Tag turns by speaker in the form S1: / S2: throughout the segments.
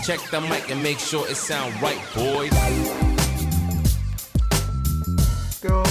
S1: check the mic and make sure it sound right, boys.
S2: Go.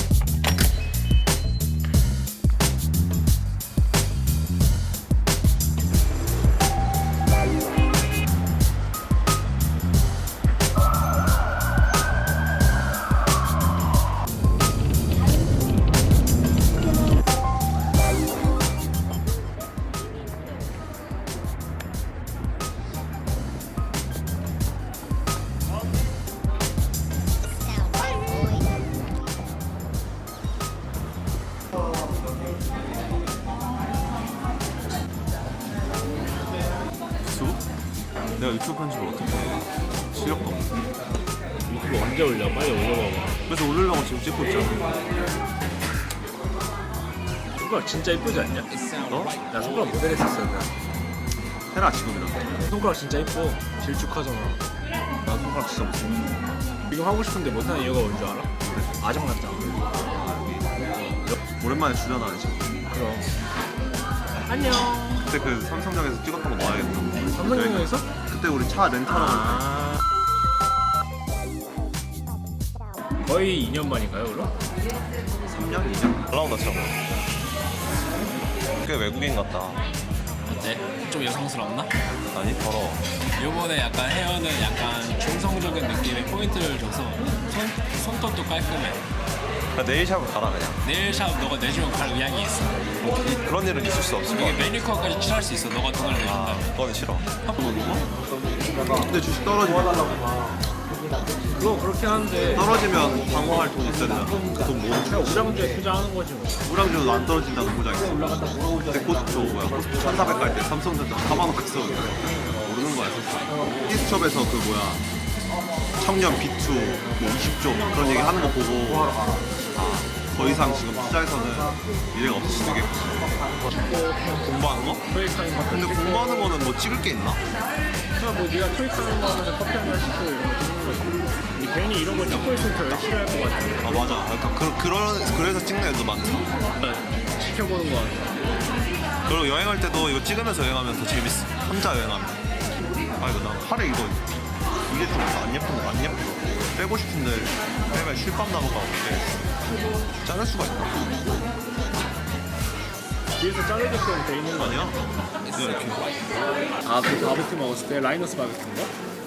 S3: 내가 유튜브 편집을 어떻게 해? 실력도 없는데.
S4: 유튜브 언제 올려? 빨리 올려봐봐.
S3: 그래서 올리려고 지금 찍고 있잖아.
S4: 손가락 진짜 이쁘지 않냐?
S3: 너?
S4: 나 손가락 모델 했었어. 나.
S3: 해라 지금이라도.
S4: 손가락 진짜 이뻐. 질축하잖아.
S3: 나 손가락 진짜 못해.
S4: 지금 하고 싶은데 못하는 이유가 뭔 줄 알아? 아정 같잖아.
S3: 오랜만에 출연하네 지금.
S4: 그럼. 안녕.
S3: 그때 그 삼성역에서 찍었던 거 봐야겠다.
S4: 삼성역에서?
S3: 그때 우리 차 렌탈하고
S4: 아. 거의 2년 만인가요, 그럼?
S3: 3년? 2년? 잘 나온다 참. 꽤 외국인 같다.
S5: 어때? 좀 여성스럽나?
S3: 아니 더러워.
S5: 요번에 약간 헤어는 약간 중성적인 느낌의 포인트를 줘서 손톱도 깔끔해.
S3: 네일샵을 가라 그냥.
S5: 네일샵 너가 내주면 갈 의향이 있어.
S3: 그런 일은 있을 수 없을 것
S5: 이게
S3: 같아.
S5: 매니큐어까지 칠할 수 있어. 너가 돈을 내준다면.
S3: 그건 싫어.
S5: 한번
S3: 근데 주식 떨어지면
S4: 그거 그렇게 하는데
S3: 떨어지면 방어할 돈 있어야 되잖아. 돈 모으는
S4: 그냥 우량주에 투자하는 거지 뭐.
S3: 우량주도 안 떨어진다는 보장이 있어. 그때 코스트코 뭐야? 코스트코 1,400 갈 때 삼성전자 4만 원 갔어. 모르는 거야 사실. 피스첩에서 그 뭐야? 청년 비투 뭐 20조 그런 얘기 하는 거 보고 더 이상 지금 투자에서는 미래가 없을 수도 있겠고. 공부하는 거?
S4: 토익하는 거.
S3: 근데 공부하는 거는 뭐 찍을 게 있나?
S4: 그냥 뭐 네가 토익하는 거 하면 커피 한잔 시키고 이런 거 찍는 거지. 근데 괜히 이런 거 찍고 있으면 더 열심히 할 것 같아.
S3: 아 맞아. 약간 그래서 찍는 애도 많다.
S4: 지켜보는 거 같아.
S3: 그리고 여행할 때도 이거 찍으면서 여행하면 더 재밌어. 혼자 여행하면. 아 이거 나 팔에 이거 이게 좀 안 예쁜데 안 예뻐. 빼고 싶은데 빼면 실밥 나무가 없는데 자를 수가 있나?
S4: 뒤에서 자르게끔 돼 있는 거
S3: 아니야? 그냥 이렇게.
S4: 아, 그 바베큐 먹었을 때 라이너스 바베큐인가?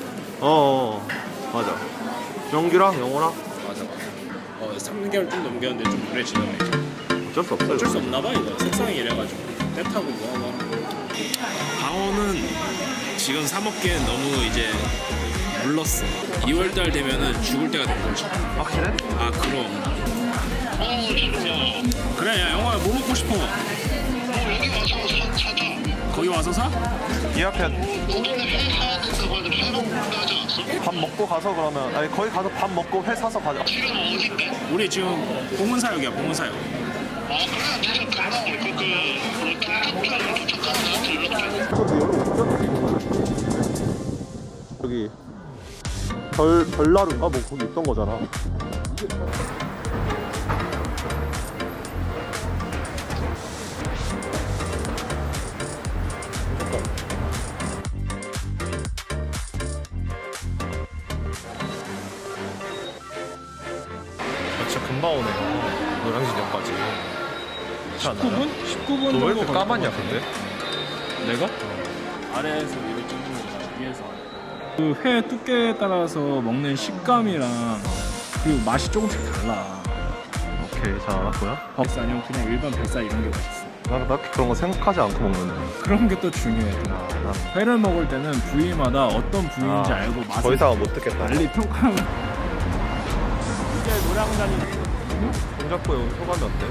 S3: 맞아. 영규랑 영호랑
S4: 맞아. 3개월 좀 넘겼는데 좀 오래 지나가 있죠.
S3: 어쩔 수 없어요.
S4: 어쩔 수 없나 봐 이거. 색상이 이래가지고 때 타고 뭐하고.
S5: 방어는 지금 사 먹기엔 너무 이제 물렀어. 2월달 되면은 죽을 때가 된 거지.
S3: 확실해?
S5: 아 그럼. 그래 야 영화야 뭐 먹고 싶어?
S6: 여기 와서 사자.
S5: 거기 와서 사?
S3: 예약해야
S6: 거기는 회 사야 된다고 하는데 회 먹고 하지 않았어?
S3: 밥 먹고 가서 그러면 아니 거기 가서 밥 먹고 회 사서 가자.
S6: 지금 어딘데?
S5: 우리 지금 봉은사역이야 봉은사역.
S6: 아 그래 계속 금방 올 거그 김쪽편으로 도착하면 나한테 연락해.
S3: 여기 별나루인가 뭐 거기 있던 거잖아. 진짜 금방 오네요. 노량진역까지.
S4: 19분? 19분
S3: 너 왜 이렇게 까맣냐 근데?
S4: 내가? 아래에서 위로 찍는 거잖아. 위에서. 그 회 두께에 따라서 먹는 식감이랑 그리고 맛이 조금씩 달라.
S3: 오케이 잘 알았고요.
S4: 벅살 아니면 그냥 일반 뱃살 이런 게 맛있어.
S3: 나 딱히 그런 거 생각하지 않고 먹는데.
S4: 그런 게 또 중요해. 회를 먹을 때는 부위마다 어떤 부위인지 알고 맛을
S3: 더 이상은 못 듣겠다.
S4: 빨리 평가하면. 이제 노량단이
S3: 동작구에 온 소감이 어때?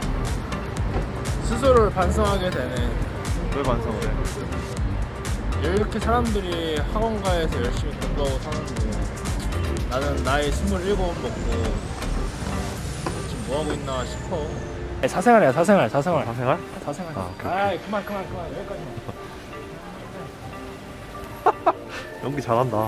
S4: 스스로를 반성하게 되네.
S3: 왜 반성을 해?
S4: 이렇게 사람들이 학원가에서 열심히 공부하고 사는데 나는 나이 27 먹고 지금 뭐하고 있나 싶어. 사생활이야 사생활.
S3: 사생활?
S4: 사생활.
S3: 아, 오케이,
S4: 아이 그만 여기까지만.
S3: 연기 잘한다.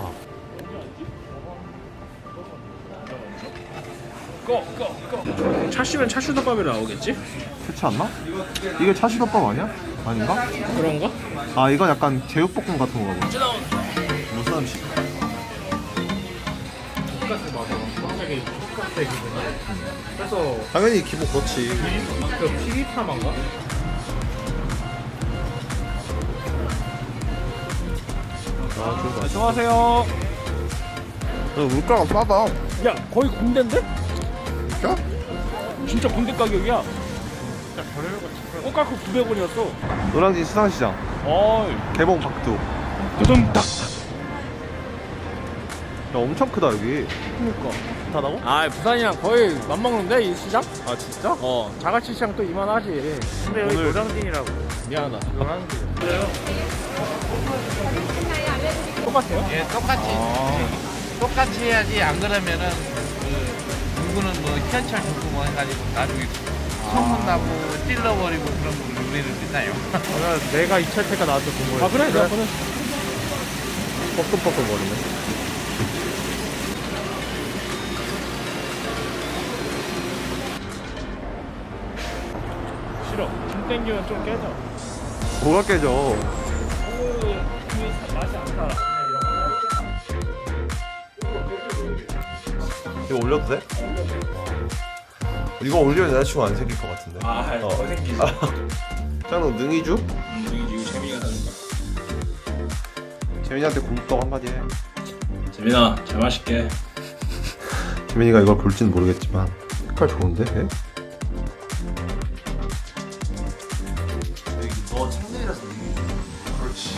S4: 차슈면 차슈덮밥이 나오겠지?
S3: 그렇지 않나? 이게 차시덮밥 아니야? 아닌가?
S4: 그런가?
S3: 아 이건 약간 제육볶음 같은 거가 보다. 무슨 음식.
S4: 돈가스 맞아. 갑자기 돈가스 얘기구나. 그래서
S3: 당연히 기본 그렇지.
S4: 그 피기타만가? 안녕하세요.
S3: 물가가 싸다.
S4: 야 거의 군대인데?
S3: 진짜?
S4: 진짜 군대 가격이야. 꽃가루 900원이었어.
S3: 노량진 수산시장
S4: 어이.
S3: 개봉 박두.
S4: 두둥딱.
S3: 야 엄청 크다 여기.
S4: 그니까.
S3: 다다고?
S4: 아 부산이랑 거의 맞먹는데 이 시장?
S3: 아 진짜?
S4: 자갈치 시장 또 이만하지. 근데 여기
S3: 오늘-
S4: 노량진이라고. 미안하다. 노량진. 똑같아요?
S2: 예, 똑같이 똑같이 해야지. 안 그러면은 그 누구는 뭐 현철 누구 뭐 해가지고 나중에 소문나고 찔러버리고 그런 거 우리는 믿나요?
S3: 내가 이철태가 나한테 본 거야.
S4: 아 그래? 내가 보내.
S3: 뻐끔뻐끔 거리네.
S4: 싫어. 좀 땡기면 좀 깨져.
S3: 뭐가 깨져?
S4: 맛이 안 살아.
S3: 이거 올려도 돼? 이거 올리면 여자친구 안 생길 것 같은데.
S4: 더 생기지.
S3: 짱너 능이주?
S4: 이거 재민이가 사준다.
S3: 재민이한테 곰떡 한마디 해.
S4: 재민아, 잘 마실게.
S3: 재민이가 이걸 볼지는 모르겠지만 색깔 좋은데? 얘? 너 창들이라서 그렇지.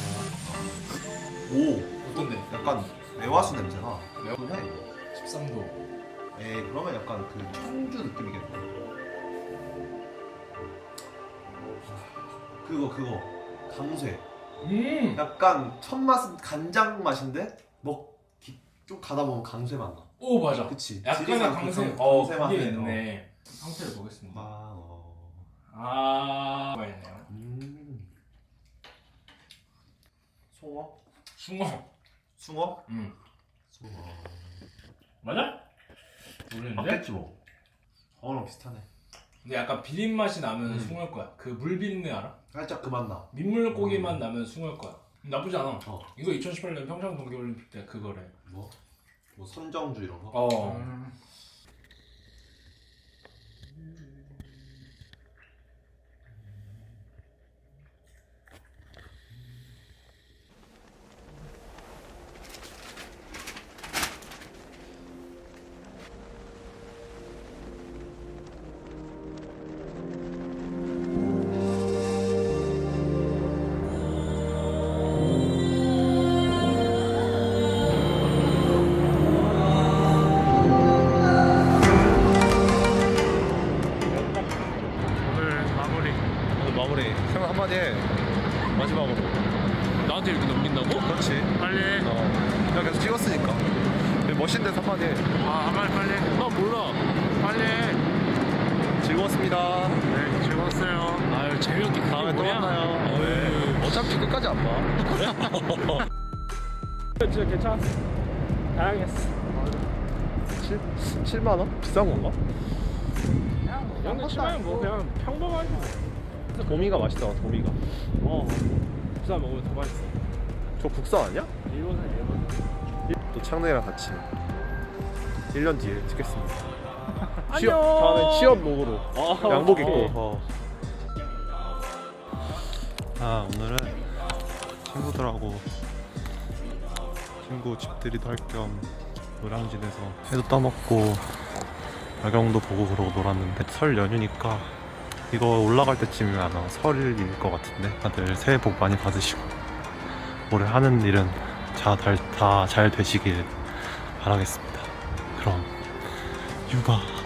S3: 오,
S4: 어떤데?
S3: 약간 매화수 냄새나. 매화수네.
S4: 13도.
S3: 에이, 그러면 약간 그 청주 느낌이겠네. 그거 강쇠. 약간 첫 맛은 간장 맛인데 좀 가다 보면 강쇠 맛 나.
S4: 오 맞아.
S3: 그치.
S4: 약간의
S3: 지리산
S4: 강세.
S3: 강쇠
S4: 그게
S3: 맛이
S4: 있네. 상태를 보겠습니다.
S3: 아,
S4: 가 있네요.
S3: 송어?
S4: 숭어.
S3: 숭어?
S4: 숭어. 맞아? 모르는데?
S3: 맞겠지 뭐. 어랑 비슷하네.
S4: 근데 약간 비린 맛이 나면 숭어일 거야. 그 물 비린내 알아?
S3: 살짝 그 맛 나.
S4: 민물고기 맛 나면 숭어일 거야. 나쁘지 않아.
S3: 어.
S4: 이거 2018년 평창 동계올림픽 때 그거래.
S3: 뭐 선정주 이런 거?
S4: 어.
S3: 오늘 마무리. 생각 한마디 해. 마지막으로.
S4: 나한테 이렇게 넘긴다고?
S3: 그렇지.
S2: 빨리 해.
S3: 내가 계속 찍었으니까. 멋진 데서 한마디 해.
S2: 빨리 해.
S4: 나 몰라.
S2: 빨리 해.
S3: 즐거웠습니다.
S2: 네, 즐거웠어요.
S4: 아유 재미없게 그게
S3: 다음에 또
S4: 뭐냐?
S3: 만나요.
S4: 어이.
S3: 어차피 끝까지 안 봐.
S4: 진짜 괜찮았어. 다양했어.
S3: 7만 원? 비싼 건가?
S4: 근데 치면 뭐 그냥 평범하지 뭐.
S3: 도미가 맛있다. 도미가.
S4: 부산 먹으면 더 맛있어.
S3: 저 국산 아니야?
S4: 일본은 일본.
S3: 또 창래랑 같이 1년 뒤에 찍겠습니다.
S4: 안녕.
S3: 다음에 취업 룩으로 양복 입고.
S4: 오케이.
S3: 오늘은 친구들하고 친구 집들이도 할 겸 노량진에서 회도 떠먹고 야경도 보고 그러고 놀았는데 설 연휴니까 이거 올라갈 때쯤이면 아마 설일 것 같은데 다들 새해 복 많이 받으시고 올해 하는 일은 다 잘 되시길 바라겠습니다. 그럼 육아